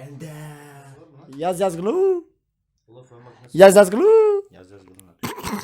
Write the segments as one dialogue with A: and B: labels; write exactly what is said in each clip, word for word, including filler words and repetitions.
A: Bende.
B: Yaz yaz gulu.
A: Ulan fön makinesi.
B: Yaz yaz gulu.
A: Yaz yaz gülüm.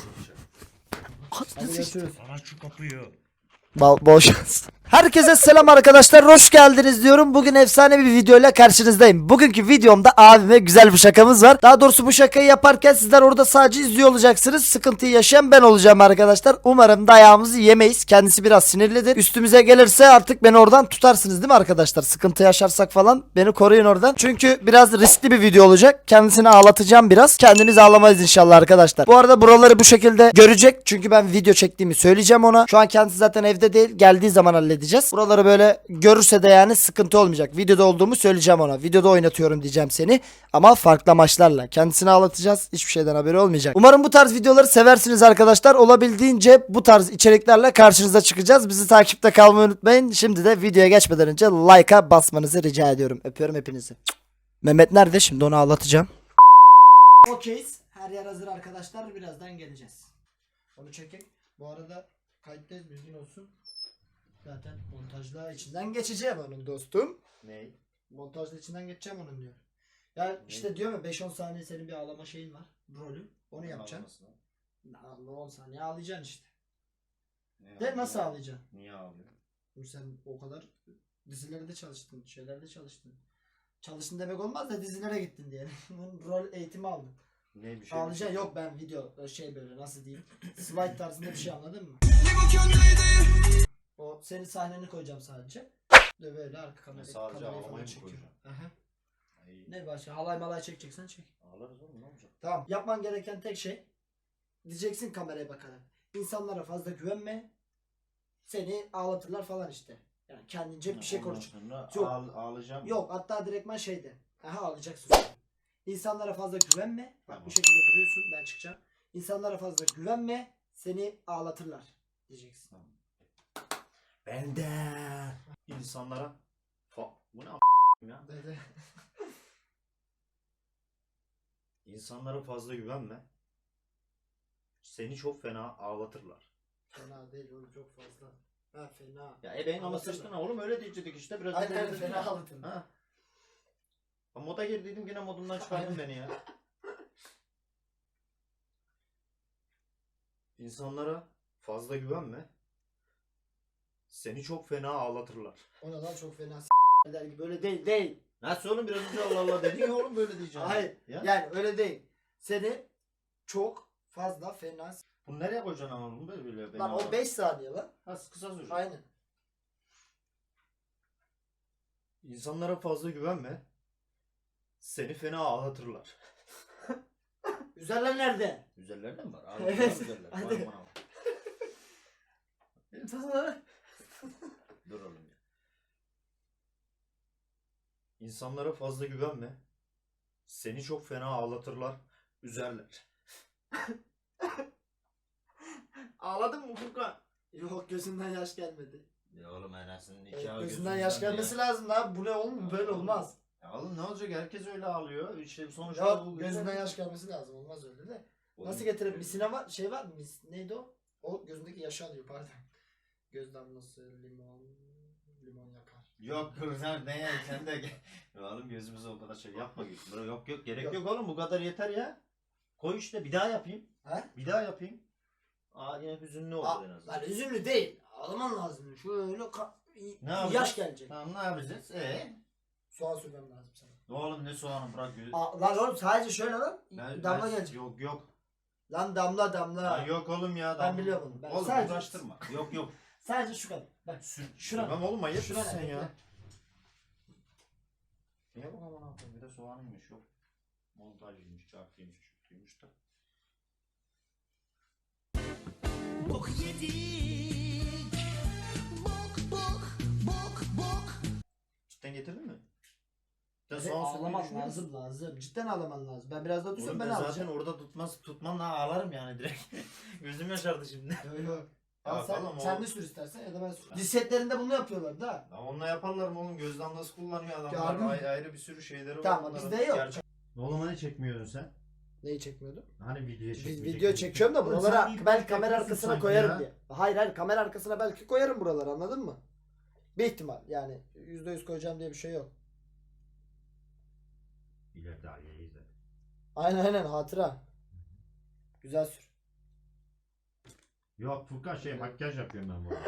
B: Hadi görüşürüz.
A: Aç şu kapıyı.
B: Bol, bol şans. Herkese selam arkadaşlar, hoş geldiniz diyorum. Bugün efsane bir videoyla karşınızdayım. Bugünkü videomda abime güzel bir şakamız var. Daha doğrusu bu şakayı yaparken sizler orada sadece izliyor olacaksınız. Sıkıntıyı yaşayan ben olacağım arkadaşlar. Umarım dayağımızı yemeyiz. Kendisi biraz sinirlidir. Üstümüze gelirse artık beni oradan tutarsınız değil mi arkadaşlar? Sıkıntı yaşarsak falan beni koruyun oradan. Çünkü biraz riskli bir video olacak. Kendisini ağlatacağım biraz. Kendiniz ağlamayız inşallah arkadaşlar. Bu arada buraları bu şekilde görecek. Çünkü ben video çektiğimi söyleyeceğim ona. Şu an kendisi zaten evde değil. Geldiği zaman halledeceğiz. Buraları böyle görürse de yani sıkıntı olmayacak. Videoda olduğumu söyleyeceğim ona. Videoda oynatıyorum diyeceğim seni. Ama farklı amaçlarla. Kendisini ağlatacağız. Hiçbir şeyden haberi olmayacak. Umarım bu tarz videoları seversiniz arkadaşlar. Olabildiğince bu tarz içeriklerle karşınıza çıkacağız. Bizi takipte kalmayı unutmayın. Şimdi de videoya geçmeden önce like'a basmanızı rica ediyorum. Öpüyorum hepinizi. Mehmet nerede? Şimdi onu ağlatacağım. Okeyiz. Her yer hazır arkadaşlar. Birazdan geleceğiz. Onu çekek. Bu arada kayıttayız, bilgin olsun. Zaten montajla içinden geçeceğim onun dostum.
A: Ne?
B: Montajla içinden geçeceğim onun diyor. Ya işte diyorum ya beş on saniye senin bir ağlama şeyin var. Rolü. Onu yapacaksın. on saniye ağlayacaksın işte.
A: Ne
B: De nasıl ağlayacaksın?
A: Niye ağlıyor?
B: Sen o kadar dizilerde çalıştın, şeylerde çalıştın. Çalıştın demek olmaz da dizilere gittin diye. Rol eğitimi aldın.
A: Ne bir şey?
B: Ağlayacaksın yok, ben video şey böyle nasıl diyeyim. Slide tarzında bir şey, anladın mı? O senin sahneni koyacağım sadece. De böyle arka kamera,
A: Sadece
B: kamerayı
A: ağlamayı
B: falan
A: mı
B: çekiyor.
A: koyacaksın?
B: Aha.
A: Ay,
B: Ne başka? Halay malay çekeceksen çek.
A: ağlarız oğlum, ne olacak?
B: Tamam. Yapman gereken tek şey, diyeceksin kameraya bakarak. İnsanlara fazla güvenme. Seni ağlatırlar falan işte. Yani kendince bir şey
A: Ondan
B: konuş.
A: sonra
B: Yok.
A: ağl- ağlayacağım.
B: Yok, hatta direktman şeyde. Aha, ağlayacaksın. İnsanlara fazla güvenme. Bak
A: Tamam.
B: bu şekilde duruyorsun, ben çıkacağım. İnsanlara fazla güvenme. Seni ağlatırlar diyeceksin.
A: Tamam. Bende. İnsanlara fa bu ne a- ya?
B: Böyle.
A: İnsanlara fazla güvenme. Seni çok fena ağlatırlar.
B: Fena değil oğlum, çok fazla. Ha, fena.
A: Ya e benim ama
B: Ağlatırlar.
A: sıçtın oğlum, öyle diyecektik işte biraz.
B: Aynen
A: öyle
B: öyle,
A: dedik
B: fena
A: ya.
B: ağlatırlar.
A: Ha. Ha, moda girdiydim yine modundan çıkardın beni ya. İnsanlara fazla güvenme. Seni çok fena ağlatırlar.
B: Ona da çok fena s*** eder gibi. Öyle değil, değil.
A: Nasıl oğlum, biraz önce Allah Allah dedin ya oğlum, böyle diyeceğim.
B: Hayır.
A: Ya.
B: Yani öyle değil. Seni çok fazla fena s***.
A: Bunu nereye koyacaksın ama bunu böyle böyle.
B: Lan o beş saniye lan.
A: Ha, kısa sürecek.
B: Aynen.
A: İnsanlara fazla güvenme. Seni fena ağlatırlar.
B: Güzeller nerede?
A: Güzeller de mi var? Abi,
B: Evet.
A: güzeller.
B: Hadi.
A: Vay aman Allah'ım.
B: İnsanlara.
A: Dur oğlum ya. İnsanlara fazla güvenme. Seni çok fena ağlatırlar. Üzerler. Ağladın mı Furkan?
B: Yok, gözünden yaş gelmedi.
A: Ya oğlum anasının
B: Evet,
A: nikahı
B: gözünden yaş gelmesi lazım lan. Bu ne oğlum? Böyle olmaz.
A: Ya oğlum ne olacak, herkes öyle ağlıyor. İşte sonuçta
B: Yok,
A: bu
B: gözünden yaş gelmesi lazım. Olmaz öyle de.
A: Oğlum,
B: Nasıl getirelim? Misine var, şey var mı? Mis, neydi o? O gözündeki yaşı alıyor, pardon. Göz damlası, limon, limon yakar.
A: Yok dur sen ne ya, sen de gel. Ya oğlum gözümüze o kadar şey yapma. Bro, yok yok gerek
B: Yok.
A: yok. oğlum, bu kadar yeter ya. Koy işte, bir daha yapayım.
B: He?
A: Bir daha yapayım. Aa yine hüzünlü oldu
B: Aa,
A: en azından.
B: lan üzümlü değil. Ağlaman lazım. Şöyle ka-
A: Ne
B: yaş
A: yapacağız?
B: gelecek.
A: Tamam, ne yapacağız? Ee?
B: Soğan sürmem lazım sana.
A: Oğlum ne soğanı, bırak gözü.
B: Aa, lan oğlum sadece şöyle lan.
A: Ben-
B: damla
A: ben-
B: gelecek.
A: Yok yok.
B: Lan damla damla.
A: Ya yok oğlum ya.
B: Ben
A: damla.
B: biliyorum onu, ben
A: Oğlum
B: sadece-
A: uğraştırma. Yok yok.
B: Sadece şu kadar. Bak.
A: Sür.
B: Şuna-
A: Sürmem oğlum, manyak
B: şuna
A: mısın sen
B: ne?
A: ya? Niye bu aman abi? Bir de soğanıymış yok. Montajıymış, çarpıymış, çürütüymüş da.
C: Bok yedik. Bok bok bok bok.
A: Cidden getirdin mi? Sen
B: Evet,
A: soğan sürmeyi
B: ağlaman
A: düşünüyor musun?
B: lazım lazım. Cidden ağlaman lazım. Ben biraz daha dursam
A: Oğlum
B: ben,
A: ben zaten
B: ağlayacağım.
A: orada tutmaz tutmam daha ağlarım yani direkt. Gözüm yaşardı şimdi.
B: Yok yok.
A: Ya
B: Al sen,
A: tamam
B: sen
A: oğlum.
B: de sür istersen ya da ben sür. Diz setlerinde bunu yapıyorlar da.
A: Ya onunla yaparlar mı oğlum? Göz damlası kullanıyor adamlar.
B: Gördün mü?
A: Ayrı, ayrı bir sürü şeyleri var.
B: Tamam,
A: onların.
B: bizde yok.
A: Gerçek- Oğlum hani çekmiyordun sen?
B: Neyi çekmiyordum?
A: Hani video
B: Biz
A: çekmiyordun?
B: video çekiyorum da
A: Oğlum
B: buralara
A: sen ilk
B: belki
A: ilk
B: kamera
A: yapıyorsun
B: arkasına
A: sanki
B: koyarım
A: ya.
B: diye. Hayır hayır, kamera arkasına belki koyarım buraları, anladın mı? Bir ihtimal yani yüzde yüz koyacağım diye bir şey yok.
A: İleride Aliye'yi izle.
B: Aynen aynen hatıra. Güzel sür.
A: Yok Furkan şey makyaj yapıyorum ben burada.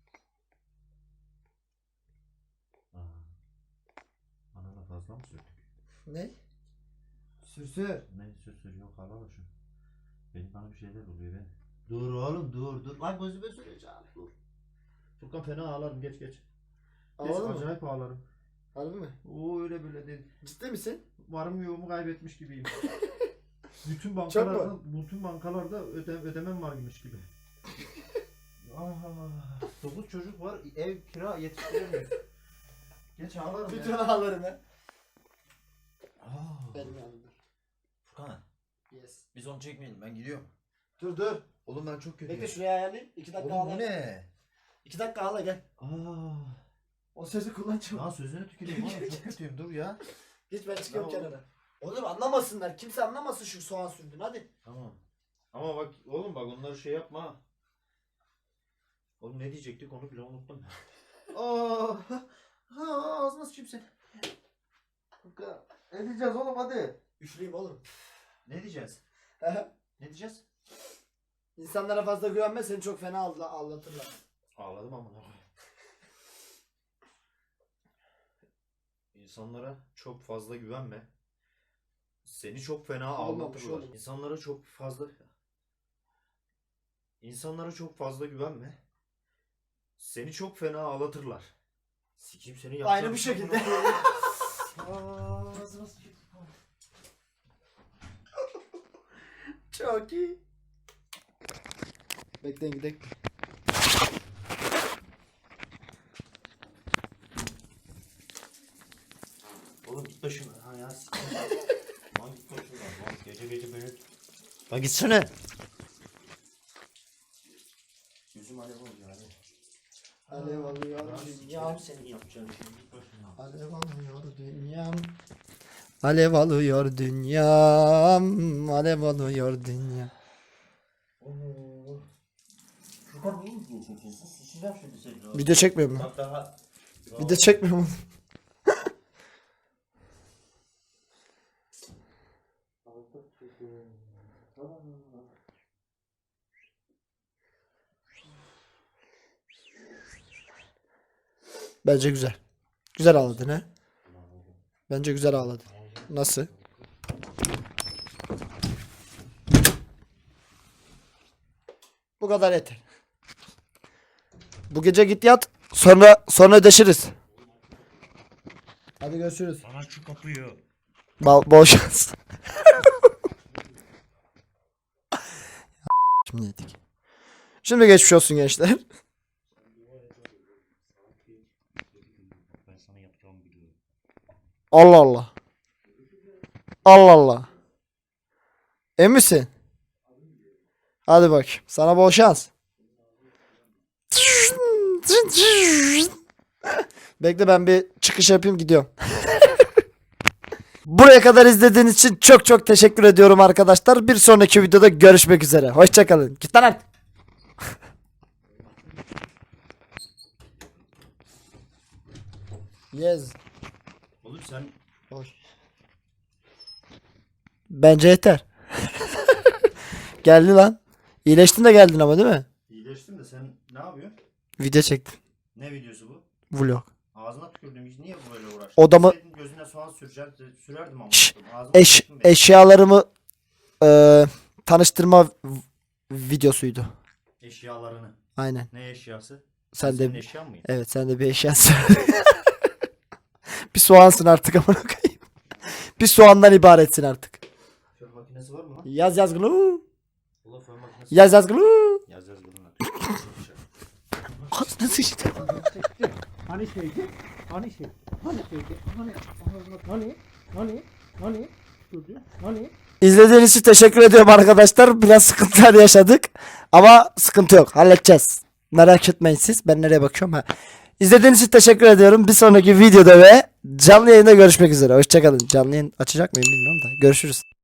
A: Aa. Bana da fazla mı sürdük?
B: Ne? Sür sür.
A: Ne sür sür yok hala şu. Benim bana bir şeyler oluyor ben. Dur oğlum dur dur. Lan gözüme süreceğim dur. Furkan fena ağlarım geç geç. Geç
B: Ağladın mı?
A: acayip ağlarım.
B: Harbi mi?
A: Oo öyle böyle değil.
B: Ciddi misin?
A: Varım yoğumu kaybetmiş gibiyim. bütün
B: Çok
A: bankalarda, bütün bankalarda öde, ödemem varmış gibi. Ah, dokuz çocuk var, ev kira yetiştiremiyor. Geç ağlarım
B: Bütün
A: ya.
B: ağlarını.
A: Ah.
B: Benim yanımda.
A: Furkan,
B: Yes.
A: biz onu çekmeyelim, ben gidiyorum.
B: Dur dur.
A: Oğlum ben çok kötüyüm.
B: Bekle şuraya ayarlayayım. İki dakika
A: Oğlum
B: ağla.
A: bu ne?
B: İki dakika ağla gel.
A: Aa.
B: O sözü kullanacağım.
A: Lan sözünü tüküreyim oğlum, çok kötüyüm, dur ya.
B: Geç ben çıkıyorum
A: Tamam.
B: kenara. Oğlum anlamasınlar. Kimse anlamasın şu soğan sürdün hadi.
A: Tamam. Ama bak oğlum bak onları şey yapma. ha. Oğlum ne diyecektik onu bile unuttum. Aa, ha, ağzına sıçayım sen. Furkan, ne diyeceğiz oğlum hadi.
B: Üfleyeyim oğlum.
A: Ne diyeceğiz? Ne diyeceğiz?
B: İnsanlara fazla güvenme seni çok fena ağla- ağlatırlar.
A: Ağladım ama. İnsanlara çok fazla güvenme. Seni çok fena
B: Olmamış
A: ağlatırlar.
B: oğlum.
A: İnsanlara çok fazla İnsanlara çok fazla güvenme. Seni çok fena ağlatırlar. Sikim seni yapacağım.
B: Aynı bu şekilde.
A: Aa, ağzına sıçayım.
B: Çok iyi. Bekleyin gidelim.
A: Oğlum git başımdan. Ha ya sikim. Lan git başımdan. Lan gece gece beni. Lan gitsene. Yüzüm alev oldu yani.
B: Alev alıyor dünyam.
A: Senin yapacağın şey git başımdan.
B: Alev alıyor dünyam. Alev alıyor dünyam. Alev alıyor dünya.
A: Furkan niye izliyorsun sen? Sıçacağım şimdi seni.
B: Video çekmiyorum lan.
A: Bak daha.
B: Video çekmiyorum oğlum. Bence güzel. Güzel ağladın ha? Bence güzel ağladın. Nasıl? Bu kadar yeter. Bu gece git yat. Sonra sonra ödeşiriz. Hadi görüşürüz.
A: Bana şu kapıyı.
B: Bol, bol şans. Şimdi yedik. Şimdi geçmiş olsun gençler.
A: Ben sana yapacağımı biliyorum.
B: Allah Allah. Allah Allah. Emin misin? Hadi bak. Sana bol şans. Bekle ben bir çıkış yapayım gidiyorum. Buraya kadar izlediğiniz için çok çok teşekkür ediyorum arkadaşlar. Bir sonraki videoda görüşmek üzere. Hoşçakalın. Git lan artık. Yes.
A: Oğlum sen
B: Hoş. Bence yeter. Geldi lan. İyileştin de geldin ama değil mi?
A: iyileştin de sen ne yapıyorsun?
B: Video çektim.
A: Ne videosu bu?
B: Vlog.
A: Ağzına tükürdüm hiç niye böyle uğraştın?
B: Odamı-
A: Deseydin gözüne soğan süreceğim, sürerdim ama.
B: Şşş,
A: Ağzıma
B: Eş,
A: tükürdün beni.
B: eşyalarımı eee, tanıştırma v- videosuydu.
A: Eşyalarını.
B: Aynen.
A: Ne eşyası?
B: Sen
A: Senin
B: de
A: eşyan mıyım?
B: evet sen de bir eşyasın. Bir soğansın artık amına koyayım. Bir soğandan ibaretsin artık.
A: Fön makinesi var mı lan?
B: Yaz yaz glu.
A: Ulan fön makinesi.
B: Yaz yaz glu.
A: Yaz yaz bunu.
B: Ağzına sıçtı.
D: Hani şeydi? Hani şey? Hani şeydi? Hani? Hani? Hani? Hani? Çocuğu? Hani?
B: İzlediğiniz için teşekkür ediyorum arkadaşlar. Biraz sıkıntılar yaşadık. Ama sıkıntı yok. Halledeceğiz. Merak etmeyin siz. Ben nereye bakıyorum? Ha. İzlediğiniz için teşekkür ediyorum. Bir sonraki videoda ve canlı yayında görüşmek üzere. Hoşçakalın. Canlı yayın açacak mıyım bilmiyorum da. Görüşürüz.